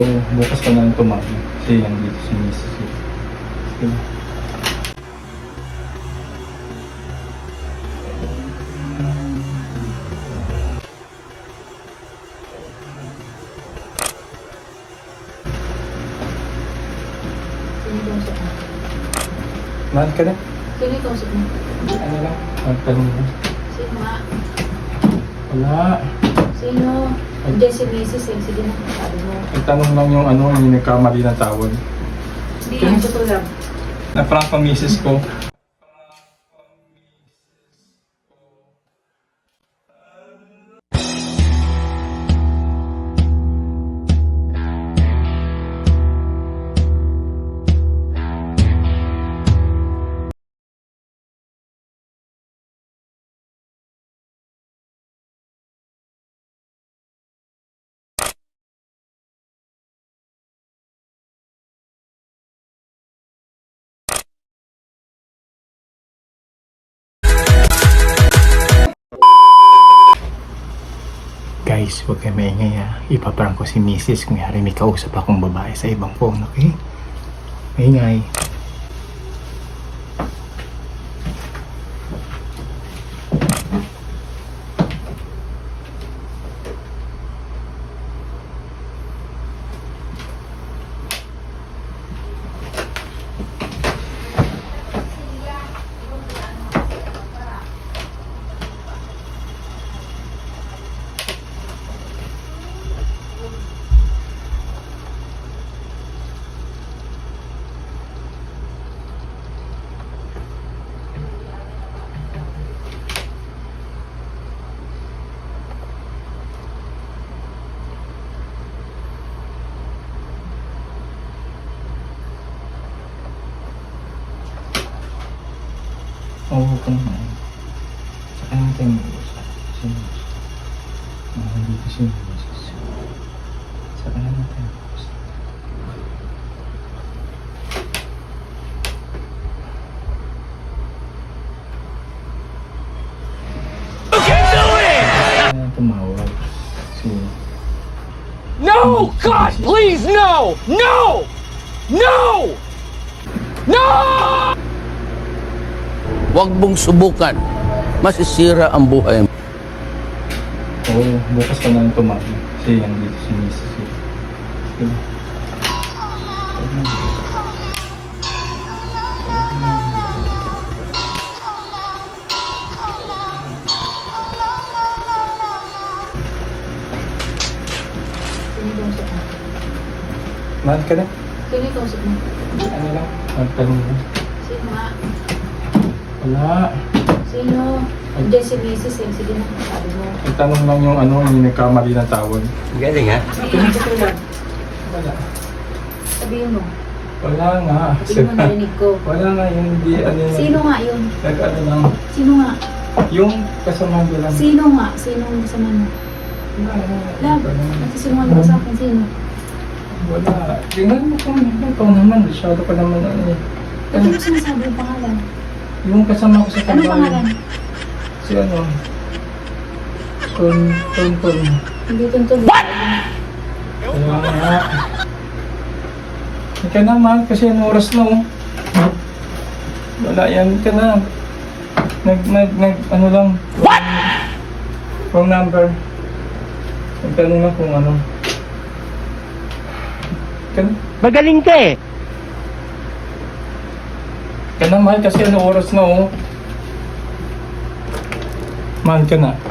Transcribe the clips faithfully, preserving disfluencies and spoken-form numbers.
So, bukas ka na lang tumabi. Kasi yan dito si Missus eh. Okay. Sino kausap mo? Mahal ka na? Sino kausap mo? Ano lang? Magtanong mo. Sino nga? Wala. Sino? Hindi si Missus eh. Sige na, sabi mo. Magtanong lang yung ano, yung nagkamali ng tawag. Hindi yan, totoo lang. Na-prank pa Missus ko. Guys, huwag kayo maingay ha. Ipaprank ko si Missus kung yari may kausap akong babae sa ibang phone, okay? Maingay. Oo, oh, kung naman. Saka natin mag-uusap. Si Missus. Nandito si Missus. Saka na natin mag-uusap. You can do it! Kaya tumawag. Si... No! God, please, no! No! No! No! Huwag mong subukan. Masisira ang buhay mo. Oo, oh, bukas ka na lang tumabi. Kasi yan dito si Missus eh. Okay. Sino kausap mo? Mahal ka na? Sino kausap mo? Ano lang? Magtanong mo. Sino nga? Wala. Sino? Hindi si Missus eh. Sige na, sabi mo. Magtanong lang yung ano, yung nagkamali ng tawag. Galing ha? Hindi yan, totoo lang. Wala. Sabihin mo. Wala nga. Sabihin mo, narinig ko. Wala nga yung hindi ano yun. Sino nga yun? Nag ano lang. Sino nga? Yung kasama ko lang. Sino nga? Sino ang kasama mo? Wala, wala. Love, Wala. nagsisinungaling ka sa akin. Sino? Wala. Tingnan mo kung ano. Ikaw naman. Masyado ka naman ano eh. Ba't mo sinasabi yung pangalan? Yung kasama ko sa Anong trabaho. pangalan? Si ano. Ton, ton, ton. Hindi tuntun. Wala nga. Hindi ka naman kasi ang oras na oh. Wala yan. Hindi ka na. Nag, nag, nag, ano lang. What? Wrong number. Nagtanong lang kung ano. Ka na. Magaling ka eh! Ka na, mahal, kasi ano oras na oh. Mahal ka na.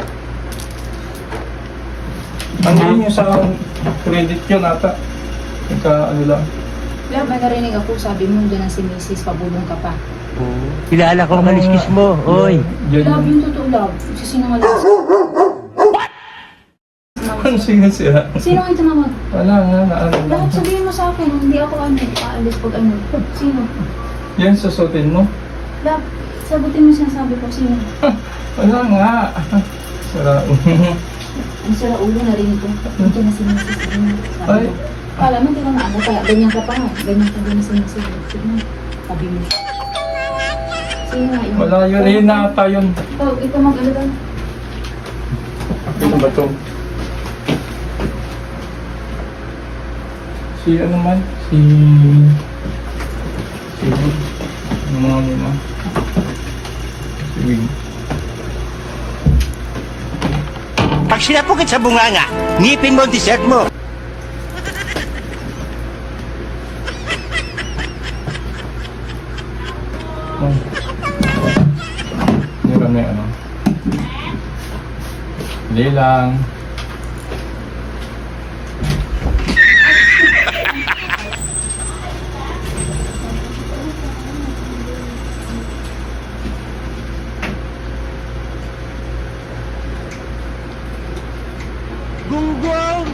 Ano yun yung sa credit yun ata? Ika ano lang. Love, may narinig ako. Sabi mo, dyan ang si Missus Pabulong ka pa. Kilala ko ang kaliskis mo, oy! Yan Love, yun. yung totoo, love. Sisinungaling ka. Ano sige siya? Sino ang tumawag? Wala nga, naano lang. Love, sabihin mo sa akin. Hindi ako ano, aalis pag ano. Sino? Yan, susutin mo? Love, sagutin mo sinasabi ko. Sino? Wala nga. Sara. Ang sira ulo, narinig ko. Nandiyan na si Missus. Sabi mo. Ay. Kala mo, hindi ko naano. Kaya ganyan ka pa nga. Ganyan ka din na si Missus. Sige na. Sabi mo. Sino nga yun? Wala yun. Ayun na ata yun. Ikaw, ikaw mag-ano daw. Ano ba to? Si ano man? Si... Si Wig. Yung mga muna. Si Wig. Pag sinapukit sa bunganga, ngipin mo ang dessert mo. Oh. Meron na yung ano. Hindi lang. Gunggong!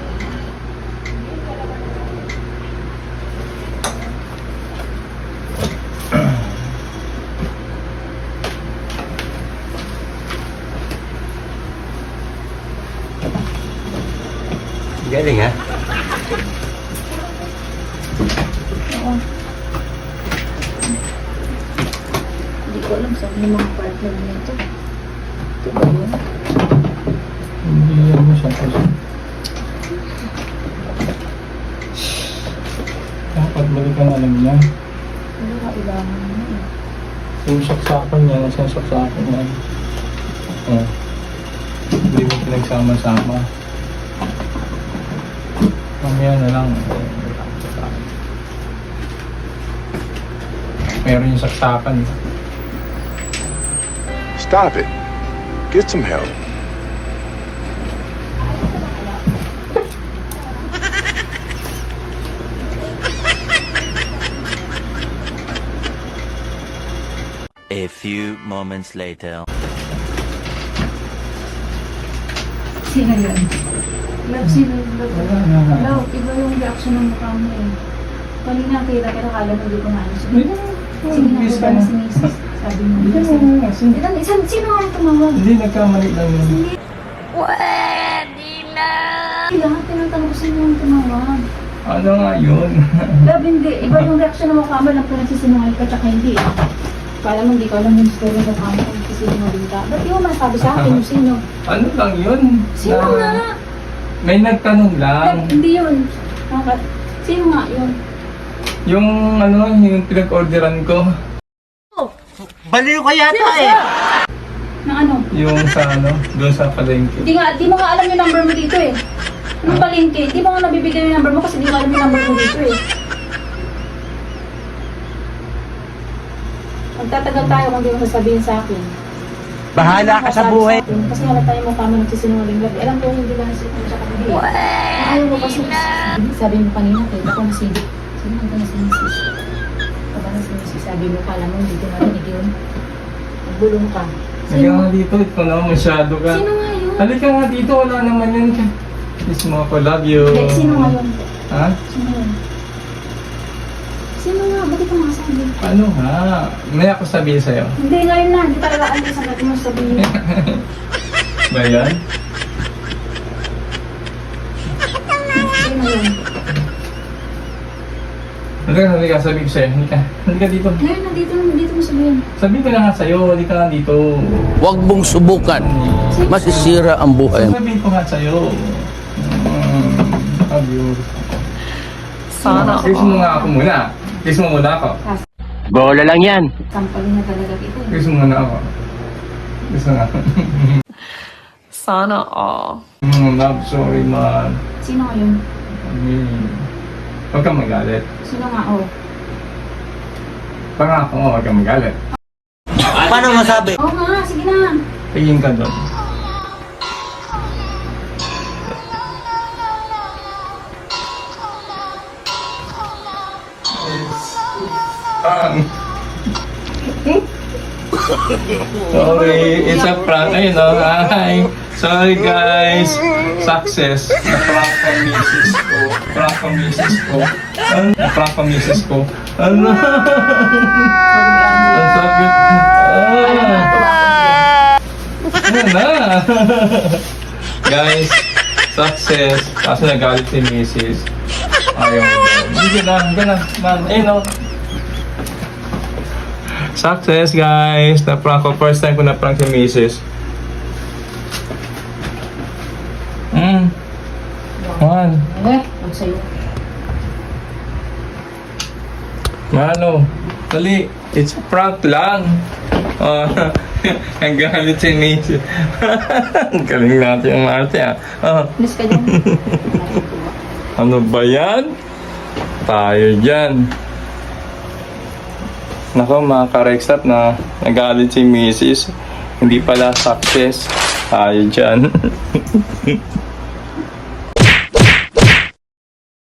Galing ha? Oo. Hindi ko alam saan yung mga partner nito. Ito ba yun? Hindi yan mo siya kasi. Dapat balikan na alam niya. Wala kailangan mo eh. Yung saksakan niya, nasa saksakan niya. Oh. Hindi mo pinagsama-sama. Mamaya na lang. Meron yung saksakan. Stop it. Get some help. A few moments later. Sino yun? Love, sino yun? Love, Wala na. Love, iba yung reaction ng mukha mo eh. Kanina kita, pero kala mo hindi ko na ano. Hindi Sige, na. sige na, Bis baba ka na na. si Macy's. Sabi mo. Hindi Sige. na. Sin- Ilan, isan, sino nga yung tumawag? Hindi, nagkamali lang yun. Hindi lahat, tinatanong ko sino yung tumawag. Ano nga yun? Love, hindi. Iba yung reaction ng mukha mo lang kung nagsisinungaling ka tsaka hindi. Kala mo hindi ko alam yung story ng mukha mo kung nagsisinungaling ka. Ba't di mo masabi sa akin yung sino? Ano lang yun? Sino Na- nga? May nagtanong lang. Love, hindi yun. Nakaka- Sino nga yun? Yung ano, yung pinag-orderan ko. Baliw ka yata eh! Na ano? Yung sa ano, doon sa palengke. Di nga, di mo nga alam yung number mo dito eh. Nung palengke, di mo nga nabibigay yung number mo kasi di mo alam yung number mo dito eh. Magtatagal tayo kung di mo sasabihin sa akin. Bahala ka sa buhay. akin, Kasi halata yung mukha mo nagsisinungaling labi. Alam ko hindi ka nasisinungaling sa kanila. Ayaw mo kasi, sabi mo kanina, kaya ako nasigit. Sino ka na si Missus? Pag na si Missus, sabi mo, kala mo hindi ko narinig yun. Nagbulong ka. Halika nga dito, ito na, masyado ka. Sino nga yun? Halika nga dito, wala naman yun. Kiss mo ako, love you. Hindi, sino nga yun? Ha? Sino yun? Sino nga? Ba't ito masabi? Ano nga? May ako sabihin sa'yo. Hindi, ngayon na. Hindi talaga ano sa natin mo sabihin. Ba yan? Sino yun? Halika, halika, sabihin ko sa'yo. Halika, halika dito. Ngayon, nandito, nandito mo sabihin. Sabihin ko na nga sa'yo, halika nga dito. Huwag mong subukan. Masisira ang buhay mo. Sabihin ko nga sa'yo. Mm, love you. Sana Kiss mo nga ako muna. Kiss mo muna ako. Bola lang yan. Kampal na talaga kita. eh. Kiss mo muna ako. Kiss mo nga. Sana all. Mm, love, sorry man. Sino nga yun? Mm. Huwag kang magalit. Sino nga, oh? Pangako mo, huwag kang magalit. Paano masabi? Oo nga, sige na. Tingin ka doon. Um, sorry, it's a prank. Ayun o, hi. Sorry guys. Success. Na-prank ang misis ko. Prank ang misis ko. Ano? Na-prank ang misis ko. Ano? Ang sakit. Ah. Ano na? Guys, success. Kaso nagalit si misis. Ayaw mo. Hindi na, hindi na. Man, ayun o. Success guys! Na-prank ko. First time ko na-prank si misis. Hmm. One. Eh, huwag sa'yo. Mano, dali. It's a prank lang. Oh, ang galit si Macy. Ang galing natin yung ate ah. Oh, Miss ka dyan. ano ba yan? Tayo dyan. Nako mga ka-Rexap na nagalit si Missus Hindi pala success. Tayo dyan.